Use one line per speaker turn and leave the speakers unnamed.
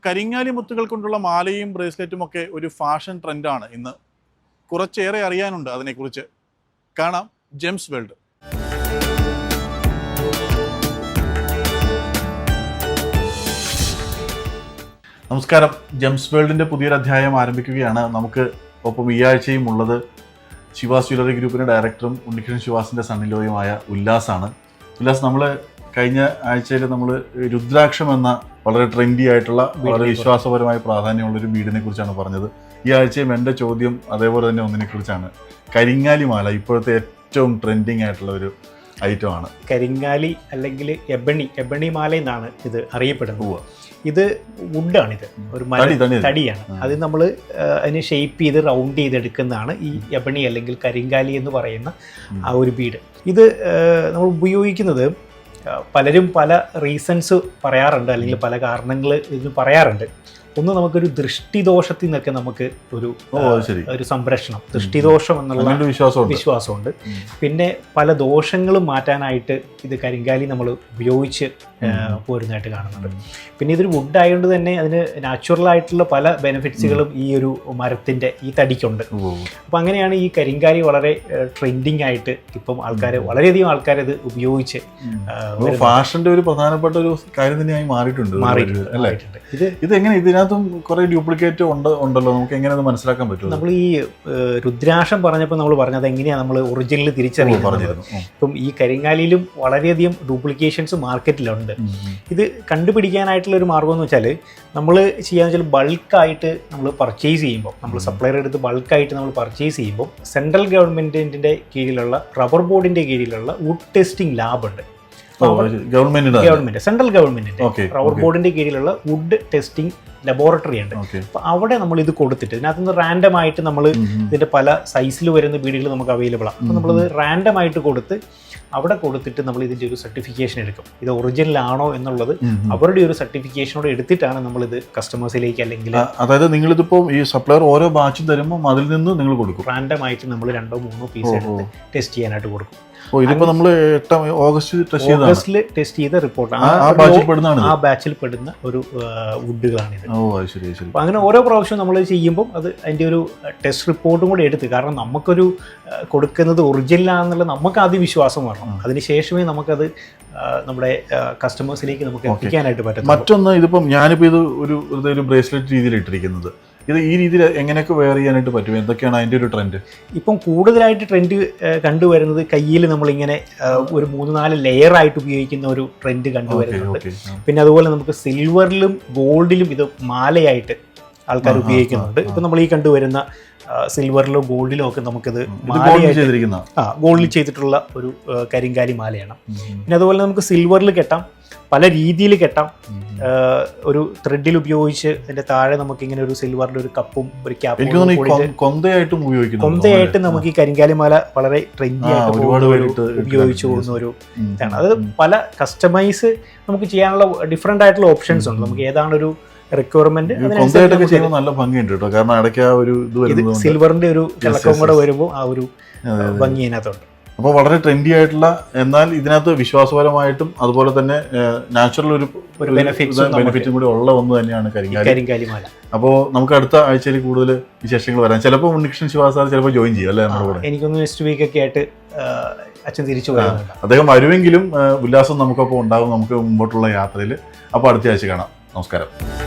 കരിങ്ങാലി മുത്തുകൾ കൊണ്ടുള്ള മാലയും ബ്രേസ്ലെറ്റും ഒക്കെ ഒരു ഫാഷൻ ട്രെൻഡാണ് ഇന്ന്. കുറച്ചേറെ അറിയാനുണ്ട് അതിനെക്കുറിച്ച്. കാണാം ജെംസ് വേൾഡ്. നമസ്കാരം. ജെംസ് വേൾഡിൻ്റെ പുതിയൊരു അധ്യായം ആരംഭിക്കുകയാണ്. നമുക്ക് ഒപ്പം ഈ ആഴ്ചയും ഉള്ളത് ശിവാസ് ജ്വല്ലറി ഗ്രൂപ്പിൻ്റെ ഡയറക്ടറും ഉണ്ണികൃഷ്ണൻ ശിവാസിൻ്റെ സണ്ണിലോയുമായ ഉല്ലാസാണ്. ഉല്ലാസ്, നമ്മൾ കഴിഞ്ഞ ആഴ്ചയിൽ നമ്മൾ രുദ്രാക്ഷം എന്ന വളരെ ട്രെൻഡി ആയിട്ടുള്ള വളരെ വിശ്വാസപരമായ പ്രാധാന്യമുള്ളൊരു ബീഡിനെ കുറിച്ചാണ് പറഞ്ഞത്. ഈ ആഴ്ചയും എൻ്റെ ചോദ്യം അതേപോലെ തന്നെ ഒന്നിനെ കുറിച്ചാണ്. കരിങ്ങാലി മാല ഇപ്പോഴത്തെ ഏറ്റവും ട്രെൻഡിങ് ആയിട്ടുള്ള ഒരു ഐറ്റമാണ്.
കരിങ്ങാലി അല്ലെങ്കിൽ എബണി മാല എന്നാണ് ഇത് അറിയപ്പെടുന്നത്. ഇത് വുഡാണിത്, ഒരു തടിയാണ്. അത് നമ്മൾ അതിനെ ഷേപ്പ് ചെയ്ത് റൗണ്ട് ചെയ്തെടുക്കുന്നതാണ് ഈ എബണി അല്ലെങ്കിൽ കരിങ്കാലി എന്ന് പറയുന്ന ആ ഒരു ബീഡ്. ഇത് നമ്മൾ ഉപയോഗിക്കുന്നത് പലരും പല റീസൺസ് പറയാറുണ്ട്, അല്ലെങ്കിൽ പല കാരണങ്ങൾ ഇതിന് പറയാറുണ്ട്. ഒന്ന്, നമുക്കൊരു ദൃഷ്ടിദോഷത്തിൽ നിന്നൊക്കെ നമുക്ക് ഒരു സംരക്ഷണം, ദൃഷ്ടിദോഷം എന്നുള്ള വിശ്വാസമുണ്ട്. പിന്നെ പല ദോഷങ്ങളും മാറ്റാനായിട്ട് ഇത് കരിങ്കാലി നമ്മൾ ഉപയോഗിച്ച് പോരുന്നതായിട്ട് കാണുന്നുണ്ട്. പിന്നെ ഇതൊരു വുഡ് ആയതുകൊണ്ട് തന്നെ അതിന് നാച്ചുറൽ ആയിട്ടുള്ള പല ബെനിഫിറ്റ്സുകളും ഈ ഒരു മരത്തിൻ്റെ ഈ തടിക്കുണ്ട്. അപ്പം അങ്ങനെയാണ് ഈ കരിങ്കാലി വളരെ ട്രെൻഡിങ് ആയിട്ട് ഇപ്പം വളരെയധികം ആൾക്കാർ ഇത് ഉപയോഗിച്ച്
ഫാഷന്റെ ഒരു പ്രധാനപ്പെട്ട ഒരു കാര്യം തന്നെയായി മാറിയിട്ടുണ്ട്. ഇത് എങ്ങനെ ഇതിനകത്തും കുറെ ഡ്യൂപ്ലിക്കേറ്റ് ഉണ്ടല്ലോ, നമുക്ക് എങ്ങനെ അത് മനസ്സിലാക്കാൻ പറ്റും?
നമ്മൾ ഈ രുദ്രാക്ഷം പറഞ്ഞപ്പോൾ നമ്മൾ പറഞ്ഞത് എങ്ങനെയാണ് നമ്മൾ ഒറിജിനൽ തിരിച്ചറിയുന്നത്. ഇപ്പം ഈ കരിങ്കാലിയിലും വളരെയധികം ഡ്യൂപ്ലിക്കേഷൻസ് മാർക്കറ്റിലുണ്ട്. ഇത് കണ്ടുപിടിക്കാനായിട്ടുള്ള ഒരു മാർഗം എന്ന് വെച്ചാൽ നമ്മൾ ചെയ്യാന്ന് വെച്ചാൽ ബൾക്കായിട്ട് നമ്മൾ പർച്ചേസ് ചെയ്യുമ്പോൾ, നമ്മൾ സപ്ലയർ എടുത്ത് ബൾക്കായിട്ട് നമ്മൾ പർച്ചേസ് ചെയ്യുമ്പോൾ സെൻട്രൽ ഗവൺമെൻറ്റിൻ്റെ കീഴിലുള്ള റബ്ബർ ബോർഡിൻ്റെ കീഴിലുള്ള വുഡ് ടെസ്റ്റിംഗ് ലാബ് ഉണ്ട്. സെൻട്രൽ ഗവൺമെന്റിന്റെ റബ്ബർ ബോർഡിന്റെ കീഴിലുള്ള വുഡ് ടെസ്റ്റിംഗ് ലബോറട്ടറി ഉണ്ട്. അപ്പൊ അവിടെ നമ്മൾ ഇത് കൊടുത്തിട്ട് ഇതിനകത്തുനിന്ന് റാൻഡം ആയിട്ട് നമ്മൾ ഇതിന്റെ പല സൈസിൽ വരുന്ന ബീഡുകൾ നമുക്ക് അവൈലബിൾ ആണ്. അപ്പൊ നമ്മളത് റാൻഡം ആയിട്ട് അവിടെ കൊടുത്തിട്ട് നമ്മൾ ഇതിന്റെ ഒരു സർട്ടിഫിക്കേഷൻ എടുക്കും. ഇത് ഒറിജിനൽ ആണോ എന്നുള്ളത് അവരുടെ ഒരു സർട്ടിഫിക്കേഷനോട് എടുത്തിട്ടാണ് നമ്മൾ ഇത് കസ്റ്റമേഴ്സിലേക്ക്, അല്ലെങ്കിൽ
അതായത് നിങ്ങളിതിപ്പോ ഈ സപ്ലയർ ഓരോ ബാച്ചും തരുമ്പോൾ അതിൽ നിന്ന് നിങ്ങൾ കൊടുക്കും.
റാൻഡം ആയിട്ട് നമ്മൾ 2-3 പീസ് എടുത്ത് ടെസ്റ്റ് ചെയ്യാനായിട്ട് കൊടുക്കും.
ഓഗസ്റ്റിൽ
ടെസ്റ്റ് ചെയ്ത റിപ്പോർട്ടാണ്, ആ ബാച്ചിൽ പെടുന്ന ഒരു വുഡുകളാണിത്. അപ്പൊ അങ്ങനെ ഓരോ പ്രാവശ്യവും നമ്മൾ ചെയ്യുമ്പോൾ അത് അതിന്റെ ഒരു ടെസ്റ്റ് റിപ്പോർട്ടും കൂടെ എടുത്ത്, കാരണം നമുക്കൊരു കൊടുക്കുന്നത് ഒറിജിനലാണെന്നുള്ള നമുക്ക് ആദ്യം വിശ്വാസം വരണം. അതിനുശേഷമേ നമുക്കത് നമ്മുടെ കസ്റ്റമേഴ്സിലേക്ക് നമുക്ക് എത്തിക്കാനായിട്ട് പറ്റും.
മറ്റൊന്ന്, ഇതിപ്പം ഞാനിപ്പോൾ ഇത് ഒരു ബ്രേസ്ലെറ്റ് രീതിയിൽ ഇട്ടിരിക്കുന്നത്, ഇത് ഈ രീതിയിൽ എങ്ങനെയൊക്കെ വെയർ ചെയ്യാനായിട്ട് പറ്റും? എന്തൊക്കെയാണ് അതിൻ്റെ ഒരു ട്രെൻഡ്?
ഇപ്പം കൂടുതലായിട്ട് ട്രെൻഡ് കണ്ടുവരുന്നത് കയ്യിൽ നമ്മളിങ്ങനെ ഒരു 3-4 ലെയർ ആയിട്ട് ഉപയോഗിക്കുന്ന ഒരു ട്രെൻഡ് കണ്ടുവരുന്നുണ്ട്. പിന്നെ അതുപോലെ നമുക്ക് സിൽവറിലും ഗോൾഡിലും ഇത് മാലയായിട്ട് ആൾക്കാർ ഉപയോഗിക്കുന്നുണ്ട്. ഇപ്പം നമ്മൾ ഈ കണ്ടുവരുന്ന സിൽവറിലോ ഗോൾഡിലോ ഒക്കെ നമുക്കിത് ഗോൾഡിൽ ചെയ്തിട്ടുള്ള ഒരു കരിങ്കാലി മാലയാണ്. പിന്നെ അതുപോലെ നമുക്ക് സിൽവറിൽ കെട്ടാം, പല രീതിയിൽ കെട്ടാം. ഒരു ത്രെഡിൽ ഉപയോഗിച്ച് അതിന്റെ താഴെ നമുക്ക് ഇങ്ങനെ ഒരു സിൽവറിന്റെ ഒരു കപ്പും ഒരു ക്യാപ്പും കൊന്തയായിട്ട് നമുക്ക് ഈ കരിങ്കാലി മാല വളരെ ട്രെൻഡി ആയിട്ട് ഉപയോഗിച്ചു പോകുന്ന ഒരു ഇതാണ്. അത് പല കസ്റ്റമൈസ് നമുക്ക് ചെയ്യാനുള്ള ഡിഫറെന്റ് ആയിട്ടുള്ള ഓപ്ഷൻസ് ഉണ്ട്. നമുക്ക് ഏതാണ് ഒരു റിക്വയർമെന്റ്,
നല്ല ഭംഗിയുണ്ട് കേട്ടോ. കാരണം ഇടയ്ക്ക് ആ ഒരു
സിൽവറിന്റെ ഒരു തിളക്കം കൂടെ വരുമ്പോൾ ആ ഒരു ഭംഗി അതിനകത്തുണ്ട്.
അപ്പോൾ വളരെ ട്രെൻഡി ആയിട്ടുള്ള, എന്നാൽ ഇതിനകത്ത് വിശ്വാസപരമായിട്ടും അതുപോലെ തന്നെ നാച്ചുറൽ ഒരു ബെനിഫിറ്റും കൂടി ഉള്ള ഒന്ന് തന്നെയാണ്
കരിങ്കാലി മാല.
അപ്പോൾ നമുക്ക് അടുത്ത ആഴ്ചയിൽ കൂടുതൽ വിശേഷങ്ങൾ വരാം. ചിലപ്പോൾ ഉണ്ണികൃഷ്ണൻ ശിവാസ് സാർ ചിലപ്പോൾ ജോയിൻ ചെയ്യും അല്ലേ നമ്മുടെ കൂടെ?
എനിക്കൊന്ന് നെക്സ്റ്റ് വീക്ക് ഒക്കെ ആയിട്ട് അച്ഛൻ തിരിച്ചു വരുന്നുണ്ട്.
അദ്ദേഹം വരുമെങ്കിലും ഉല്ലാസം നമുക്കൊപ്പം ഉണ്ടാകും നമുക്ക് മുമ്പോട്ടുള്ള യാത്രയിൽ. അപ്പോൾ അടുത്ത ആഴ്ച കാണാം. നമസ്കാരം.